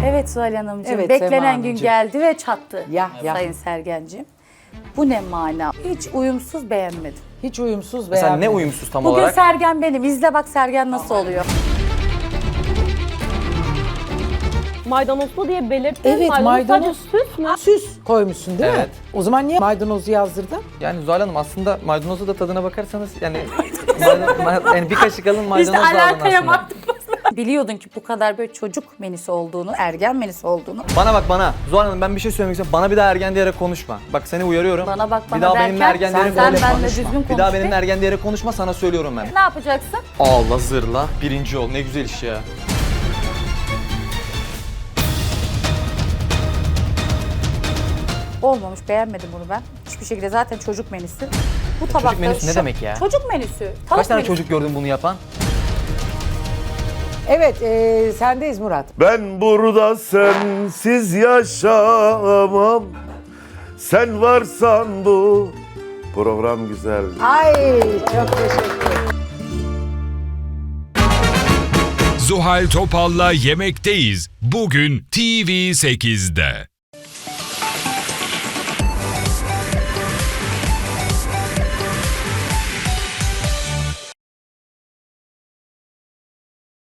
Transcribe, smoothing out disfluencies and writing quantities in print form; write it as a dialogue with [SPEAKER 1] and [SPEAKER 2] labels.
[SPEAKER 1] Evet Zuhal Hanımcığım,
[SPEAKER 2] Evet,
[SPEAKER 1] beklenen
[SPEAKER 2] Sema
[SPEAKER 1] gün
[SPEAKER 2] Hanımcığım.
[SPEAKER 1] geldi ve çattı
[SPEAKER 2] Ya.
[SPEAKER 1] Sayın Sergen'ciğim. Bu ne mana? Hiç uyumsuz beğenmedim.
[SPEAKER 2] Hiç uyumsuz
[SPEAKER 3] Mesela
[SPEAKER 2] beğenmedim.
[SPEAKER 3] ne uyumsuz tam
[SPEAKER 1] Bugün
[SPEAKER 3] olarak?
[SPEAKER 1] Sergen benim. İzle bak Sergen nasıl oluyor.
[SPEAKER 4] Maydanozlu diye belirttin.
[SPEAKER 2] Evet, maydanoz.
[SPEAKER 4] Sadece süs mü?
[SPEAKER 2] Süs koymuşsun değil mi?
[SPEAKER 3] Evet.
[SPEAKER 2] O zaman niye maydanozu yazdırdın?
[SPEAKER 3] Yani Zuhal Hanım aslında maydanozu da tadına bakarsanız yani yani bir kaşık alın maydanoz
[SPEAKER 1] Biz de
[SPEAKER 3] da alın
[SPEAKER 1] alakaya
[SPEAKER 3] aslında.
[SPEAKER 1] baktık. Biliyordun ki bu kadar böyle çocuk menüsü olduğunu, ergen menüsü olduğunu.
[SPEAKER 3] Bana bak bana. Zuhal Hanım ben bir şey söylemek istiyorum. Bana bir daha ergen diyerek konuşma. Bak seni uyarıyorum.
[SPEAKER 1] Bana bak bana
[SPEAKER 3] bir daha
[SPEAKER 1] derken
[SPEAKER 3] benimle ergen diyerek
[SPEAKER 1] sen
[SPEAKER 3] konuşma.
[SPEAKER 1] benimle düzgün konuş.
[SPEAKER 3] Bir daha
[SPEAKER 1] be.
[SPEAKER 3] benimle ergen diyerek konuşma sana söylüyorum ben.
[SPEAKER 1] Ne yapacaksın?
[SPEAKER 3] Allah zırla birinci ol. Ne güzel iş ya.
[SPEAKER 1] Olmamış, beğenmedim bunu ben. Hiçbir şekilde zaten çocuk menüsü. Bu tabakta
[SPEAKER 3] menüsü ne demek ya?
[SPEAKER 1] Çocuk menüsü. Tavuk
[SPEAKER 3] Kaç tane
[SPEAKER 1] menüsü.
[SPEAKER 3] çocuk gördün bunu yapan?
[SPEAKER 2] Evet, sendeyiz Murat.
[SPEAKER 5] Ben burada sensiz yaşamam. Sen varsan bu program güzel.
[SPEAKER 2] Ay çok teşekkür ederim.
[SPEAKER 6] Zuhal Topal'la Yemekteyiz. Bugün TV8'de.